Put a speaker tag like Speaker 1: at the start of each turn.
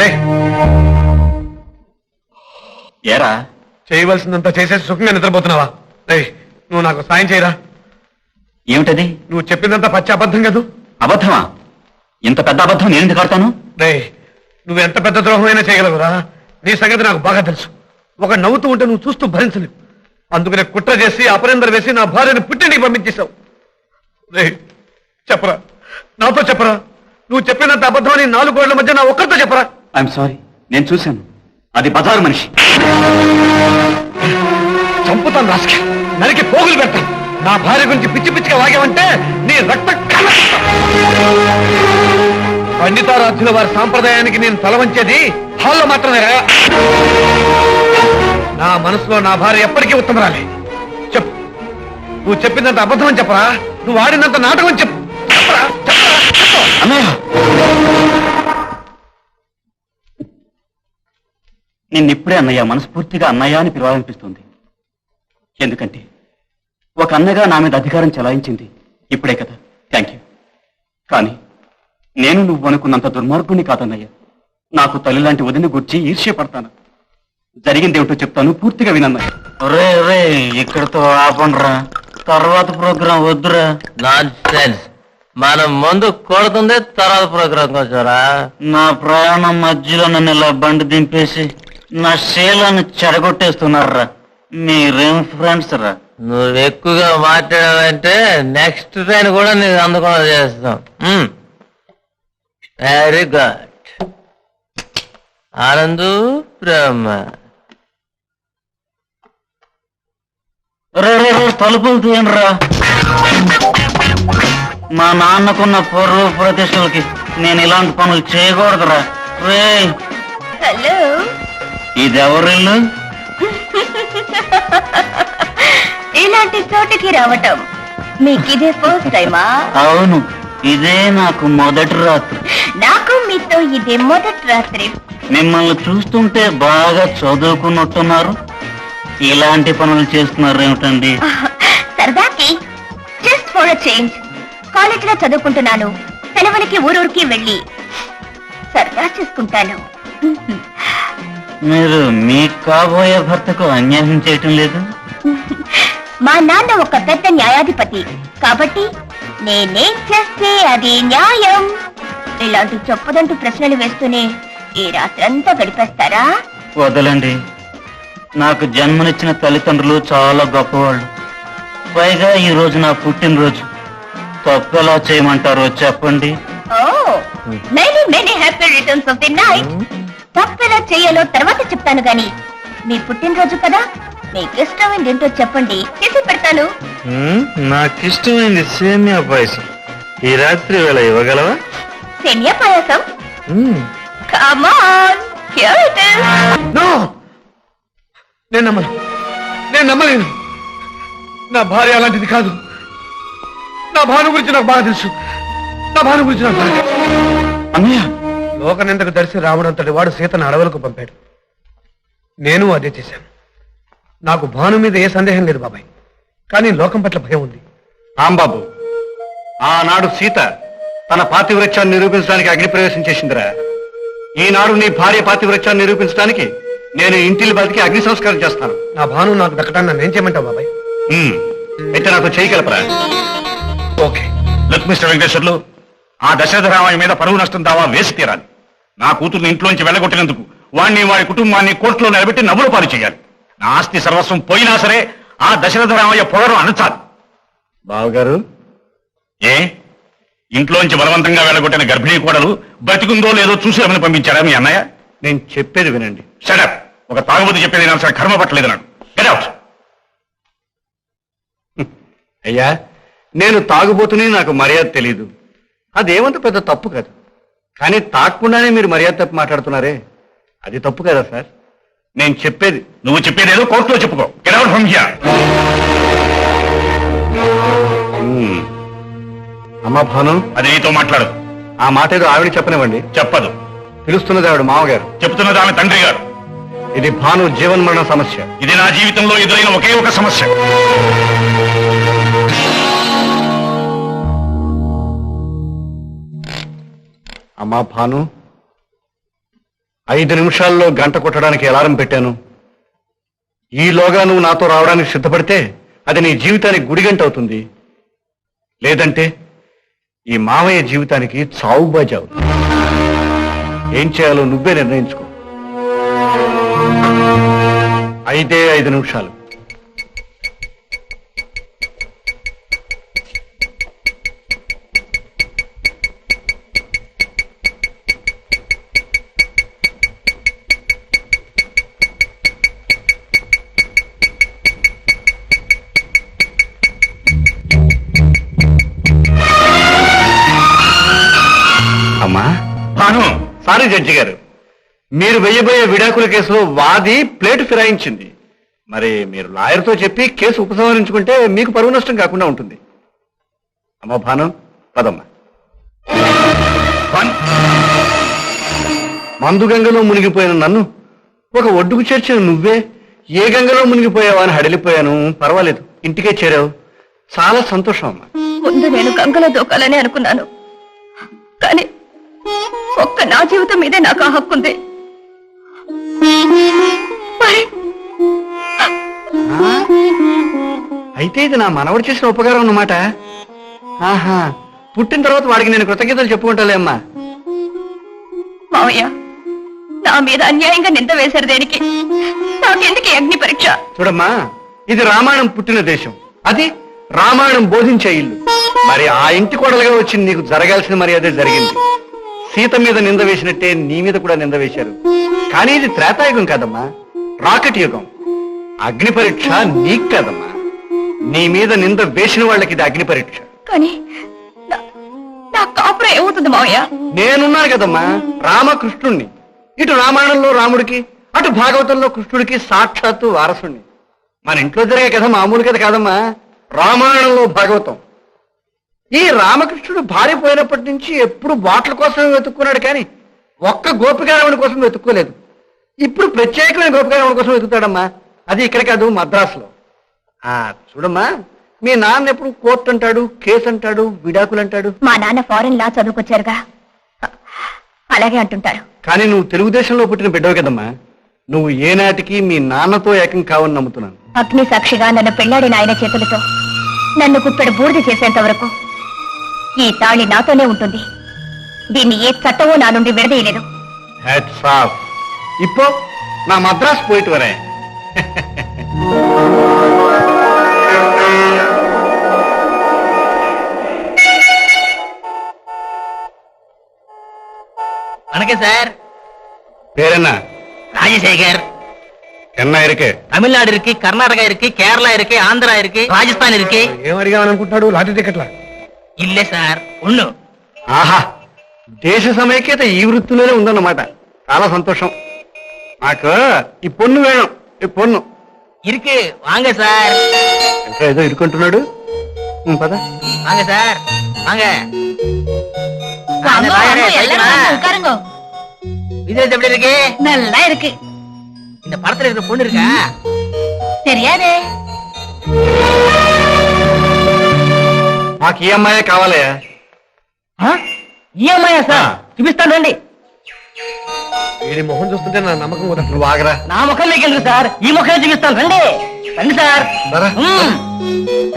Speaker 1: ఏరా
Speaker 2: చేయవలసిందంతా చేసేసి సుఖంగా నిద్రపోతున్నావా? నువ్వు నాకు సాయం చేయరా.
Speaker 1: ఏమిటది?
Speaker 2: నువ్వు చెప్పిందంతా పచ్చి అబద్ధం కదూ.
Speaker 1: అబద్ధమా? ఇంత పెద్ద అబద్ధం నేను ఎందుకు ఆడతాను?
Speaker 2: నువ్వు ఎంత పెద్ద ద్రోహమైనా చేయగలవురా. నీ సంగతి నాకు బాగా తెలుసు. ఒక నవ్వుతూ ఉంటే నువ్వు చూస్తూ భరించలేవు. అందుకనే కుట్ర చేసి అపరిందర వేసి నా భార్యను పుట్టింటికి పంపించేశావు. చెప్పరా, నాతో చెప్పరా. నువ్వు చెప్పినంత అబద్ధమని 4 గోడల మధ్య నా ఒక్కరితో చెప్పరా.
Speaker 1: ఐఎమ్ సారీ, నేను చూశాను. అది బజారు మనిషి.
Speaker 2: చంపుతాను రాసుకి, నరికి పోగులు పెడతాను. నా భార్య గురించి పిచ్చి పిచ్చిగా వాగావంటే నీ రక్తం పండితారాధ్యుల వారి సాంప్రదాయానికి నేను తల వంచేది హాల్లో మాత్రమే. నా మనసులో నా భార్య ఎప్పటికీ ఉత్తమరాలే. చెప్పు, నువ్వు చెప్పిందంత అబద్ధం అని చెప్పరా. నువ్వు ఆడినంత నాటకం చెప్పు.
Speaker 1: నిన్నిప్పుడే అన్నయ్య, మనస్ఫూర్తిగా అన్నయ్య అని పిలవాలనిపిస్తుంది. ఎందుకంటే ఒక అన్నగా నా మీద అధికారం చెలాయించింది ఇప్పుడే కదా. Thank you. కానీ నేను నువ్వు అనుకున్నంత దుర్మార్గుని కాదన్నయ్య. నాకు తల్లి లాంటి వదిన గుర్చి ఈర్ష్యపడతాను. జరిగిందేమిటో చెప్తాను, పూర్తిగా వినన్నయ్య.
Speaker 3: రే రే, ఇక్కడతో ఆపండ్రా, తర్వాత ప్రోగ్రాం వద్దురా. Nonsense. మనం ముందు కొడుతుంది, తర్వాత ప్రోగ్రాం కొంచెంరా. నా ప్రయాణం మధ్యలో నన్ను ఇలా బండి దింపేసి నా శీలాన్ని చెడగొట్టేస్తున్నారా. మీరేం ఫ్రెండ్స్ రా. నువ్వు ఎక్కువగా మాట్లాడావంటే నెక్స్ట్ ట్రైన్ కూడా నీకు అందుకుండా చేస్తాం. Very good. ఆనందు బ్రహ్మ. తలుపులు తీయండిరా. మా నాన్నకున్న పూర్వ ప్రతిష్టలకి నేను ఇలాంటి పనులు చేయకూడదురా. రే,
Speaker 4: హలో,
Speaker 3: ఇదెవరిల్లు?
Speaker 4: ఇలాంటి చోటుకి రావటం మీకు ఇదే ఫస్ట్ టైమా?
Speaker 3: అవును, ఇదే నాకు మొదటి రాత్రి.
Speaker 4: నాకు మీతో ఇదే మొదటి రాత్రి.
Speaker 3: మిమ్మల్ని చూస్తుంటే బాగా చదువుకున్నట్టున్నారు. ఇలాంటి పనులు చేస్తున్నారు ఏమిటండి?
Speaker 4: సరదాకి, జస్ట్ ఫర్ అ చేంజ్. కాలేజీలో చదువుకుంటున్నాను. సెలవులకి ఊరూరికి వెళ్ళి సరదా చేసుకుంటాను.
Speaker 3: మీరు మీ కాబోయే భర్తకు అన్యాయం చేయటం లేదు?
Speaker 4: మా నాన్న ఒక పెద్ద న్యాయాధిపతి కాబట్టి నేనేం చేస్తే అది న్యాయం. ఇలాంటి చెప్పదంటూ ప్రశ్నలు వేస్తూనే ఈ రాత్రంతా గడిపేస్తారా?
Speaker 3: వదలండి. నాకు జన్మనిచ్చిన తల్లిదండ్రులు చాలా గొప్పవాళ్ళు. పైగా ఈ రోజు నా పుట్టినరోజు. తప్పెలా చేయమంటారో చెప్పండి.
Speaker 4: Oh, many many happy returns of the night. తప్పెలా చేయాలో తర్వాత చెప్తాను గాని మీ పుట్టినరోజు కదా, మీకు ఇష్టమైంది ఏంటో చెప్పండి, చేసి పెడతాను.
Speaker 3: నాకిష్టమైంది సేమియా పాయసం. ఈ రాత్రి వేళ ఇవ్వగలవా?
Speaker 4: సేమియా పాయసం? Come on, here it is.
Speaker 2: No, నేను నమ్మలేను. నా భార్య అలాంటిది కాదు. నా భాను గురించి నాకు బాగా తెలుసు.
Speaker 1: అన్నయ్య,
Speaker 2: లోకనిందకు దర్శి రావడంతటి వాడు సీతను అడవులకు పంపాడు. నేను అదే చేశాను. నాకు భాను మీద ఏ సందేహం లేదు బాబాయ్, కానీ లోకం పట్ల భయం ఉంది.
Speaker 5: రాంబాబు, ఆనాడు సీత తన పాతివ్రత్యాన్ని నిరూపించడానికి అగ్నిప్రవేశం చేసిందిరా. ఈనాడు నీ భార్య పాతివ్రత్యాన్ని నిరూపించడానికి నేను ఇంటిని బతికి అగ్ని సంస్కారం చేస్తాను.
Speaker 2: నా భాను నాకు దక్కటాన్ని నన్నేం చేయమంటావు బాబాయ్?
Speaker 5: అయితే నాతో చేయగలపరా?
Speaker 2: ఓకే.
Speaker 6: లుక్ మిస్టర్ వెంకటేశ్వర్లు, ఆ దశరథ రామయ్య మీద పరువు నష్టం దావా వేసి తీరాలి. నా కూతుర్ని ఇంట్లోంచి వెళ్ళగొట్టినందుకు వాణ్ణి వాడి కుటుంబాన్ని కోర్టులో నిలబెట్టి నవ్వుల పాలు చేయాలి. నా ఆస్తి సర్వస్వం పోయినా సరే ఆ దశరథ రామయ్య పొగరు అనచాలి.
Speaker 5: బావగారు,
Speaker 6: ఏ ఇంట్లోంచి బలవంతంగా వెళ్ళగొట్టిన గర్భిణీ కోడలు బతికుందో లేదో చూసి రమని పంపించారా మీ అన్నయ్య?
Speaker 5: నేను చెప్పేది వినండి.
Speaker 6: షటప్. ఒక తాగుబోతు చెప్పేది నాకు కర్మ పట్టలేదు. నాడు గెట్ అవుట్.
Speaker 5: అయ్యా, నేను తాగుబోతుని, నాకు మర్యాద తెలీదు. అదేమంత పెద్ద తప్పు కాదు. కానీ తాగకుండానే మీరు మర్యాద తప్పు మాట్లాడుతున్నారే, అది తప్పు కదా సార్? నేను చెప్పేది
Speaker 6: నువ్వు చెప్పేదేదో కోర్టులో చెప్పుకో. Get out from here.
Speaker 5: అమ్మా భాను,
Speaker 6: అది నీతో మాట్లాడదు.
Speaker 5: ఆ మాట ఏదో ఆవిడ చెప్పనివ్వండి.
Speaker 6: చెప్పదు.
Speaker 5: పిలుస్తున్నది ఆవిడ మామగారు.
Speaker 6: చెప్తున్నది ఆమె తండ్రి గారు.
Speaker 5: ఇది భాను జీవన్మరణ సమస్య.
Speaker 6: ఇది నా జీవితంలో ఎదురైన ఒకే ఒక సమస్య.
Speaker 5: అమ్మా భాను, 5 నిమిషాల్లో గంట కొట్టడానికి అలారం పెట్టాను. ఈలోగా నువ్వు నాతో రావడానికి సిద్ధపడితే అది నీ జీవితానికి గుడిగంట అవుతుంది. లేదంటే ఈ మామయ్య జీవితానికి చావుబాజీ అవుతుంది. ఏం చేయాలో నువ్వే నిర్ణయించుకో. 5 నిమిషాలు. అమ్మా,
Speaker 6: భాను,
Speaker 5: సారీ జడ్జి గారు, మీరు వెయ్యబోయే విడాకుల కేసులో వాది ప్లేటు ఫిరాయించింది. మరి మీరు లాయర్తో చెప్పి కేసు ఉపసంహరించుకుంటే మీకు పరువు నష్టం కాకుండా ఉంటుంది. అమ్మ భాను, పదమ్మా.
Speaker 6: భాను,
Speaker 5: మందు గంగలో మునిగిపోయిన నన్ను ఒక ఒడ్డుకు చేర్చిన నువ్వే ఏ గంగలో మునిగిపోయావా అని హడలిపోయాను. పర్వాలేదు, ఇంటికే చేరావు. చాలా సంతోషం అమ్మా.
Speaker 4: ముందు నేను గంగలో దూకాలని అనుకున్నాను, కానీ ఒక్క నా జీవితం మీదే నాకు ఆ హక్కుంది. మరి
Speaker 5: అయితే ఇది నా మనవడు చేసిన ఉపకారం అన్నమాట. ఆహా, పుట్టిన తర్వాత వాడికి నేను కృతజ్ఞతలు చెప్పుకుంటాలే అమ్మా.
Speaker 4: మావయ్య, నా మీద అన్యాయంగా నింద వేశారు దేనికి? నాకెందుకు ఈ అగ్ని పరీక్ష?
Speaker 5: చూడమ్మా, ఇది రామాయణం పుట్టిన దేశం, అది రామాయణం బోధించే ఇల్లు. మరి ఆ ఇంటి కోడలుగా వచ్చి నీకు జరగాల్సిన మరి అదే జరిగింది. సీత మీద నింద వేసినట్టే నీ మీద కూడా నింద వేశారు. కానీ ఇది త్రేతాయుగం కాదమ్మా, రాకెట్ యుగం. అగ్ని పరీక్ష నీకు కాదమ్మా, నీ మీద నింద వేసిన వాళ్ళకి ఇది అగ్ని పరీక్ష.
Speaker 4: కానీ నా కాపురం ఏమవుతుంది మావయ్య?
Speaker 5: నేనున్నాను కదమ్మా, రామకృష్ణుణ్ణి. ఇటు రామాయణంలో రాముడికి, అటు భాగవతంలో కృష్ణుడికి సాక్షాత్తు వారసుణ్ణి. మన ఇంట్లో జరిగే కథ మామూలు కథ కాదమ్మా, రామాయణంలో భాగవతం. ఈ రామకృష్ణుడు భార్య పోయినప్పటి నుంచి ఎప్పుడు బాటల కోసం వెతుక్కున్నాడు, కానీ ఒక్క గోపికారమణి కోసం వెతుక్కోలేదు. ఇప్పుడు ప్రత్యేకమైన గోపికారమణి కోసం వెతుకుతాడమ్మా. అది ఇక్కడ కాదు, మద్రాసులో. చూడమ్మా, మీ నాన్న ఎప్పుడు కోర్టు అంటాడు, కేసు అంటాడు, విడాకులు అంటాడు.
Speaker 4: మా నాన్న ఫారెన్ లా చదువుకొచ్చారుగా, అలాగే అంటుంటారు.
Speaker 5: కానీ నువ్వు తెలుగుదేశంలో పుట్టిన బిడ్డవు కదమ్మా. నువ్వు ఏనాటికి మీ నాన్నతో ఏకం కావని నమ్ముతున్నాను.
Speaker 4: అగ్ని సాక్షిగా నన్ను పెళ్లాడిన ఆయన చేతులతో నన్ను కుప్పెడు బూడిద చేసేంత వరకు ఈ తాళి నాతోనే ఉంటుంది. దీన్ని ఏ చట్టమో నా నుండి విడదీయలేదు.
Speaker 5: Hats off. ఇప్పో నా మద్రాసు పోయిట్ వరే.
Speaker 3: வணக்கம் சார்.
Speaker 5: பேர் என்ன?
Speaker 3: ராஜசேகர்.
Speaker 5: என்ன இருக்கு?
Speaker 3: தமிழ்நாடு இருக்கு, கர்நாடகா இருக்கு, கேரளா இருக்கு, ఆంధ్రా இருக்கு, రాజస్థాన్ இருக்கு.
Speaker 2: ఏం అడిగామని అనుకుంటున్నాడు? లాటరీ టికెట్లా?
Speaker 3: ఇల్లే సార్, ఒన్ను.
Speaker 5: ఆహా, దేశ సమైక్యత ఈ వృత్తిలోనే ఉందన్నమాట. చాలా సంతోషం. నాకు ఈ పొన్ను వేణం, ఈ పొన్ను.
Speaker 3: இருக்கு, வாங்க சார்.
Speaker 5: ఇంకా ఏదో ఇరుకుంటున్నాడు. పద.
Speaker 3: வாங்க சார், வாங்க. விஜய் எப்படி இருக்கு?
Speaker 4: நல்லா இருக்கு.
Speaker 3: இந்த படத்துல இருக்கிற பொண்ணு இருக்கா?
Speaker 4: தெரியாதே.
Speaker 5: మాకు ఈ అమ్మాయే కావాలయ్యా.
Speaker 3: ఈ అమ్మాయా సార్? చూపిస్తాను రండి.
Speaker 2: వీడి మొహం చూస్తుంటే నా నమ్మకం కూడా.
Speaker 5: నువ్వు ఆగరా.
Speaker 3: నా ముఖం మీకు ఎందుకు సార్? ఈ ముఖం చూపిస్తాను రండి. రండి సార్.
Speaker 5: సరే.